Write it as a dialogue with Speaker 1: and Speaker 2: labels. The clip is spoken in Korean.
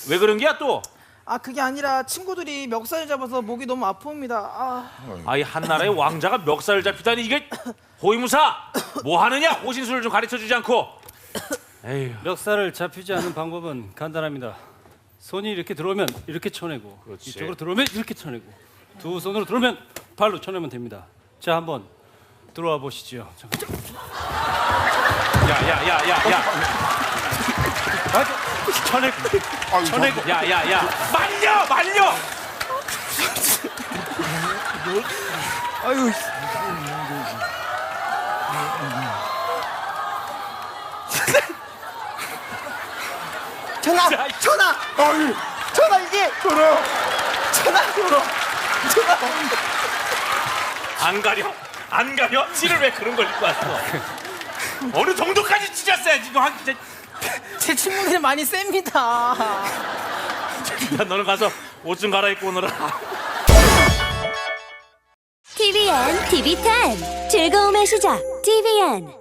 Speaker 1: 왜 그런 게야 또?
Speaker 2: 아 그게 아니라 친구들이 멱살 잡아서 목이 너무 아픕니다.
Speaker 1: 아이 한나라의 왕자가 멱살을 잡히다니 이게 호위무사 뭐 하느냐? 호신술을 좀 가르쳐주지 않고. 에휴.
Speaker 3: 멱살을 잡히지 않는 방법은 간단합니다. 손이 이렇게 들어오면 이렇게 쳐내고
Speaker 1: 그렇지.
Speaker 3: 이쪽으로 들어오면 이렇게 쳐내고 두 손으로 들어오면 발로 쳐내면 됩니다. 자 한번 들어와 보시죠.
Speaker 1: 야야야야야.
Speaker 3: 쳐내고 쳐내고
Speaker 1: 야야야. 말려.
Speaker 2: 아유. 전화 이게 전화.
Speaker 1: 안 가려? 티를 왜 그런 걸 입고 왔어? 어느 정도까지 찢었어야 지금 진짜.
Speaker 2: 제 친구들이 많이 셉니다.
Speaker 1: 야 너는 가서 옷 좀 갈아입고 오너라.
Speaker 4: TVN, TV10 즐거움의 시작 TVN